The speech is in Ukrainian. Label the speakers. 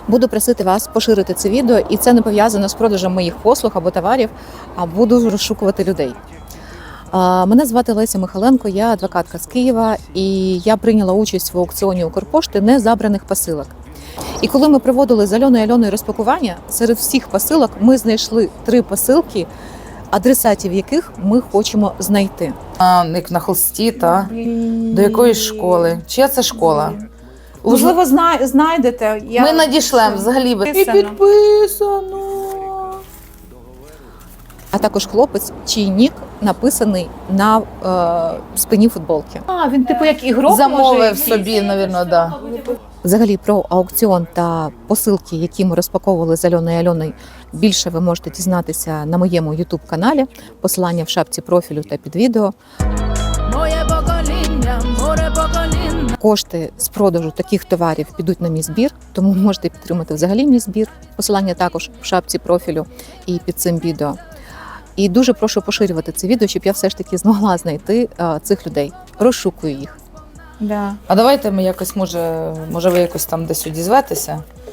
Speaker 1: Буду просити вас поширити це відео, і це не пов'язано з продажем моїх послуг або товарів, а буду розшукувати людей. Мене звати Леся Михайленко, я адвокатка з Києва, і я прийняла участь в аукціоні Укрпошти незабраних посилок. І коли ми проводили з Альоною розпакування, серед всіх посилок ми знайшли 3 посилки, адресатів яких ми хочемо знайти.
Speaker 2: Як на холсті, та? До якоїсь школи? Чия це школа?
Speaker 3: Можливо, знайдете.
Speaker 2: Ми надішлемо взагалі.
Speaker 3: І підписано.
Speaker 1: А також хлопець, чий нік написаний на спині футболки.
Speaker 3: Він типу як ігрок
Speaker 2: Замовив собі, мабуть, да.
Speaker 1: Взагалі про аукціон та посилки, які ми розпаковували з Альоною, більше ви можете дізнатися на моєму YouTube-каналі. Посилання в шапці профілю та під відео. Кошти з продажу таких товарів підуть на мій збір, тому можете підтримати взагалі мій збір. Посилання також в шапці профілю і під цим відео. І дуже прошу поширювати це відео, щоб я все ж таки змогла знайти цих людей. Розшукую їх.
Speaker 3: Да.
Speaker 2: А давайте ми якось, може ви якось там десь одізветеся?